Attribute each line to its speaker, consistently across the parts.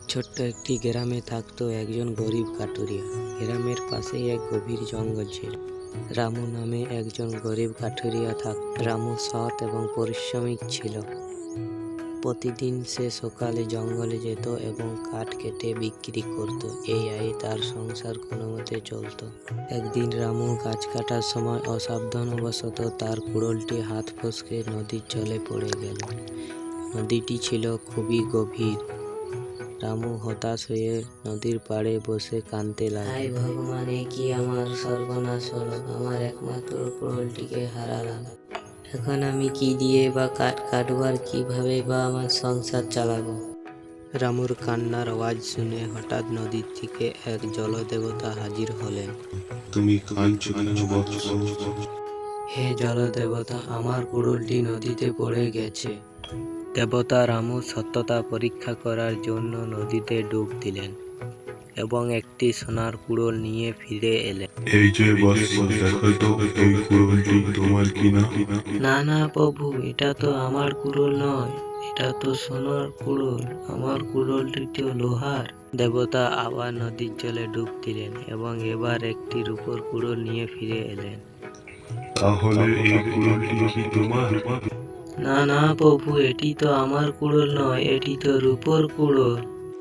Speaker 1: ছোট্ট একটি গ্রামে থাকতো একজন গরিব কাঠুরিয়া। গ্রামের পাশেই এক গভীর জঙ্গল ছিল। রামু নামে একজন গরিব কাঠুরিয়া থাকত। রামু সৎ এবং পরিশ্রমিক ছিল। প্রতিদিন সে সকালে জঙ্গলে যেত এবং কাঠ কেটে বিক্রি করত। এই আয়ে তার সংসার কোনোমতে চলত। একদিন রামু গাছ কাটার সময় অসাবধানবশত তার কুড়োলটি হাত ফসকে নদীর জলে পড়ে গেল। নদীটি ছিল খুবই গভীর। রামু হতাশ হয়ে নদীর পাড়ে বসে কাঁদতে লাগল। হায় ভগবান, এ কি আমার সর্বনাশ হলো! আমার একমাত্র কুড়োলটিকে হারালাম। এখন আমি কি দিয়ে বা কাঠ কাটবো আর কিভাবে বা আমার সংসার চালাবো? রামুর কান্নার আওয়াজ শুনে হঠাৎ নদীর থেকে এক জলদেবতা হাজির হলেন।
Speaker 2: তুমি কাঁদছো কেন বৎস?
Speaker 1: হে জলদেবতা, আমার কুড়োলটি নদীতে পড়ে গেছে। দেবতা রামুর সত্যতা পরীক্ষা করার জন্য নদীতে ডুব দিলেন এবং একটি সোনার কুড়োল নিয়ে ফিরে এলেন।
Speaker 2: এই যে বৎস, দেখো তো এই কুড়োলটি তোমার কিনা?
Speaker 1: না না প্রভু, এটা তো আমার কুড়োল নয়, এটা তো সোনার কুড়োল। আমার কুড়োলটি তো লোহার। দেবতা আবার নদীর জলে ডুব দিলেন এবং এবার একটি রূপোর কুড়োল নিয়ে ফিরে এলেন।
Speaker 2: তাহলে এই কুড়োলটি কি তোমার?
Speaker 1: না না প্রভু, এটি তো আমার কুড়োল নয়, এটি তো রূপোর কুড়োল।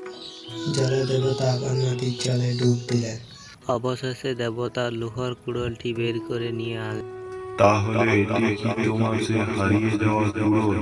Speaker 1: জলদেবতা আবার নদীর জলে ডুব দিলেন। অবশেষে দেবতা লোহার কুড়োলটি বের করে নিয়ে আনলেন।
Speaker 2: তাহলে এটি কি তোমার সে হারিয়ে যাওয়া কুড়োল?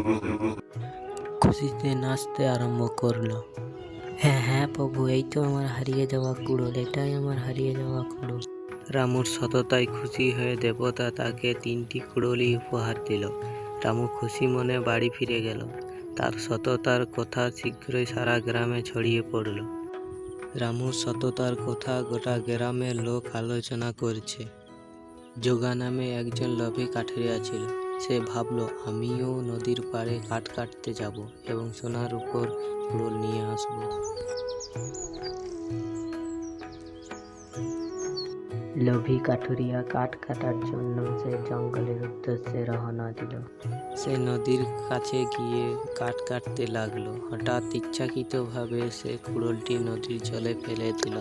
Speaker 1: খুশিতে নাচতে আরম্ভ করলো। হ্যাঁ হ্যাঁ প্রভু, এই তো আমার হারিয়ে যাওয়া কুড়োল, এটাই আমার হারিয়ে যাওয়া কুড়োল। রামুর সততায় খুশি হয়ে দেবতা তাকে 3টি কুড়োলই উপহার দিল। রামু খুশি মনে বাড়ি ফিরে গেল। তার সততার কথা শীঘ্রই সারা গ্রামে ছড়িয়ে পড়ল। রামুর সততার কথা গোটা গ্রামের লোক আলোচনা করছে। যোগা নামে একজন লোভী কাঠুরিয়া ছিল। সে ভাবল, আমিও নদীর পাড়ে কাঠ কাটতে যাব এবং সোনার উপর কুড়োল নিয়ে আসব। লোভী কাঠুরিয়া কাঠ কাটার জন্য সে জঙ্গলের উদ্দেশ্যে রওনা দিল। সে নদীর কাছে গিয়ে কাঠ কাটতে লাগলো। হঠাৎ ইচ্ছাকৃতভাবে সে কুড়োলটি নদীর জলে ফেলে দিল।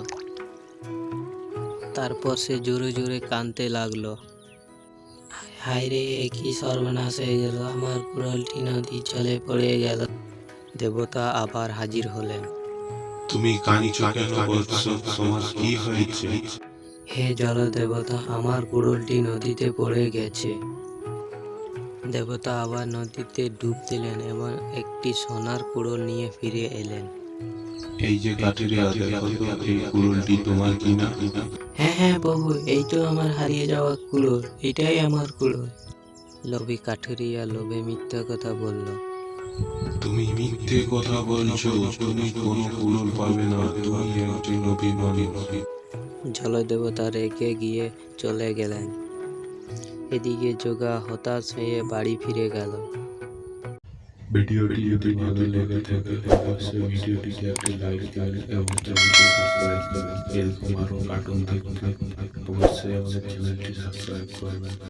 Speaker 1: তারপর সে জোরে জোরে কাঁদতে লাগলো। হায় রে, এ কি সর্বনাশ হয়ে গেল! আমার কুড়োলটি নদীর জলে পড়ে গেল। দেবতা আবার হাজির হলেন।
Speaker 2: তুমি কাঁদছো কেন বৎস? তোমার কি হয়েছে?
Speaker 1: হে জলদেবতা, আমার কুড়োলটি নদীতে পড়ে গেছে। দেবতা আবার নদীতে ডুব দিলেন এবং একটি সোনার কুড়োল নিয়ে ফিরে এলেন।
Speaker 2: এই যে কাঠুরিয়া, দেখো তো এই কুড়োলটি তোমার কিনা?
Speaker 1: হ্যাঁ হ্যাঁ প্রভু, এই তো আমার হারিয়ে যাওয়া কুড়োল, এটাই আমার কুড়োল। লোভী কাঠুরিয়া লোভে মিথ্যা কথা বলল।
Speaker 2: তুমি মিথ্যে কথা বলছো, তুমি কোনো কুড়োল পাবে না, তুমি একজন অভিমানী।
Speaker 1: জলদেবতা রেগে গিয়ে চলে গেলেন। এদিকে যোগা হতাশ হয়ে বাড়ি ফিরে গেল।
Speaker 2: ভিডিওটি যদি ভালো লেগে থাকে অবশ্যই ভিডিওটিতে একটি লাইক দিন এবং চ্যানেলটি সাবস্ক্রাইব করবেন। এরকম আরও কার্টুন দেখতে অবশ্যই আমাদের চ্যানেলটি সাবস্ক্রাইব করবেন।